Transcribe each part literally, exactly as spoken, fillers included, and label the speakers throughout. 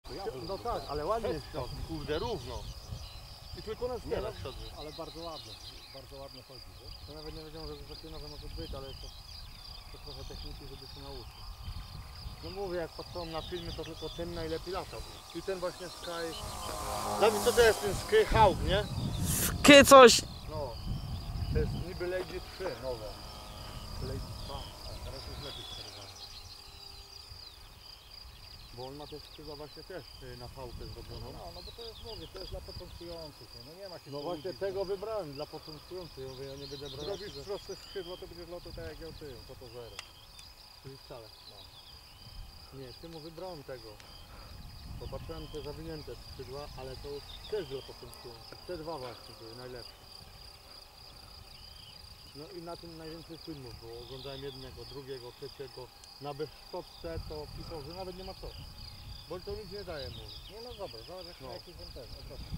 Speaker 1: No tak, ale ładnie jest to.
Speaker 2: Kurde, równo.
Speaker 1: I tylko na
Speaker 2: Nie
Speaker 1: stronę,
Speaker 2: na przodu.
Speaker 1: ale bardzo ładnie. Bardzo ładnie chodzi, wiesz? To nawet nie wiedziałem, że takie nowe może być, ale to, to trochę techniki, żeby się nauczyć. No mówię, jak patrzyłem na filmy, to tylko ten najlepiej latał. I ten właśnie Sky... Dawid, co to jest ten Sky Hawk, nie?
Speaker 3: Sky coś!
Speaker 1: No. To jest niby Lady trzy nowe. Lady dwa, a teraz jest lepiej sterowany. Bo on ma też skrzydła właśnie też y, na fałkę zrobioną.
Speaker 4: No, no bo to jest, mówię, to jest dla początkujących, no nie ma się
Speaker 1: No
Speaker 4: co
Speaker 1: właśnie
Speaker 4: łudzić,
Speaker 1: tego wybrałem dla początkujących. Ja mówię, ja nie będę brał...
Speaker 4: Zrobisz proste skrzydło, to będziesz lotał tak jak ja tył, to to zero.
Speaker 1: Czyli wcale. No. Nie, temu wybrałem tego. Popatrzyłem te zawinięte skrzydła, ale to też dla początkujących. Te dwa właśnie były najlepsze. No i na tym najwięcej filmów było. Oglądałem jednego, drugiego, trzeciego. Na bezszczotce to pisał, że nawet nie ma co. Bo to nic nie daje mu.
Speaker 4: Nie no dobra, zobacz jak
Speaker 1: No.
Speaker 4: na jakiś ten ten, odwrotnie.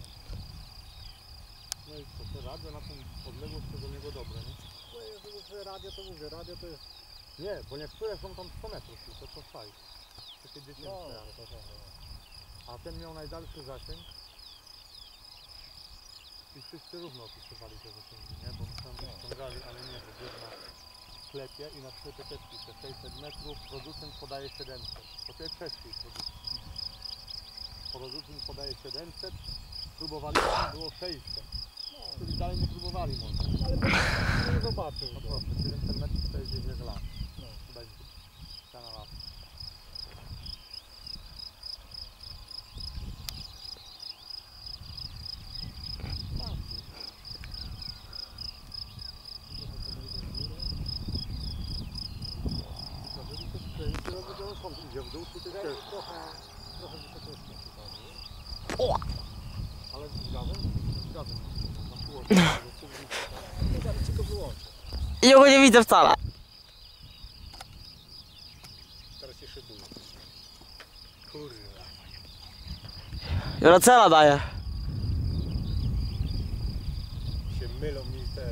Speaker 1: No i co, te radio na tą odległość to do niego dobre, nie?
Speaker 4: No jeżeli mówię radio, to mówię, radio to jest...
Speaker 1: Nie, bo niektóre są tam sto metrów, to to fajnie. Takie dziesięć.
Speaker 4: No, no, to, to, to.
Speaker 1: A ten miał najdalszy zasięg. I wszyscy równo opisywali te zasięgi, nie? Bo my tam ściągali, ale nie, bo był na sklepie i na sklepie też pisze sześćset metrów, producent podaje siedemset. To jest czeski producent. Producent podaje siedemset, próbowali, było sześćset. No, czyli dalej nie próbowali może.
Speaker 4: Ale to nie zobaczył.
Speaker 1: No proszę, siedemset metrów to jest gdzieś lat.
Speaker 4: No.
Speaker 1: Chyba jest ściana lat. Idzie w dół, czy ty też?
Speaker 4: Trochę, trochę wysokości przypadło.
Speaker 1: Ale z gazem? Z gazem. Na pół
Speaker 4: Nie dam ci go wyłączyć.
Speaker 3: Ja go nie widzę wcale.
Speaker 4: Teraz się szybuje. Kurwa.
Speaker 3: Juracela daje.
Speaker 4: Się mylą mi te...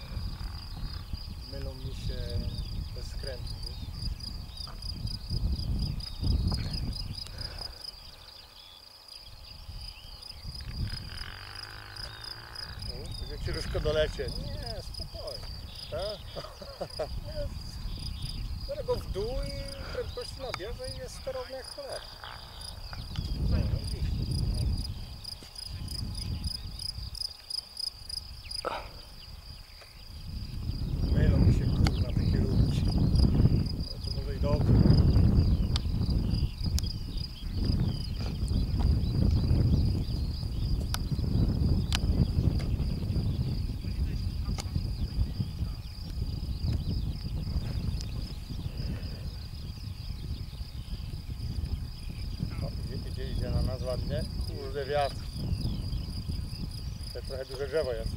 Speaker 4: Mylą mi się te skręty, wiesz?
Speaker 1: Jak ciężko dolecieć.
Speaker 4: Nie, spokojnie. Tak? Biorę go w dół i prędkości nabierze i jest sterowny jak cholera. No, widzisz. Mylą mi się kurwa te kierunki. Ale to może i dobrze.
Speaker 1: O, idzie, idzie, idzie na nas ładnie. Kurde wiatr. To trochę duże drzewo jest.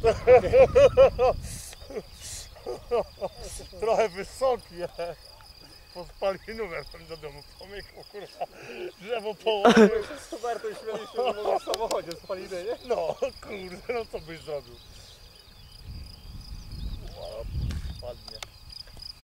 Speaker 1: Trochę wysokie. Po spalinówę tam do domu pomykło, kurwa. Drzewo położył.
Speaker 4: Z Hubertem śmieliśmy, że może w samochodzie spalimy, nie?
Speaker 1: No kurde, no co byś zrobił?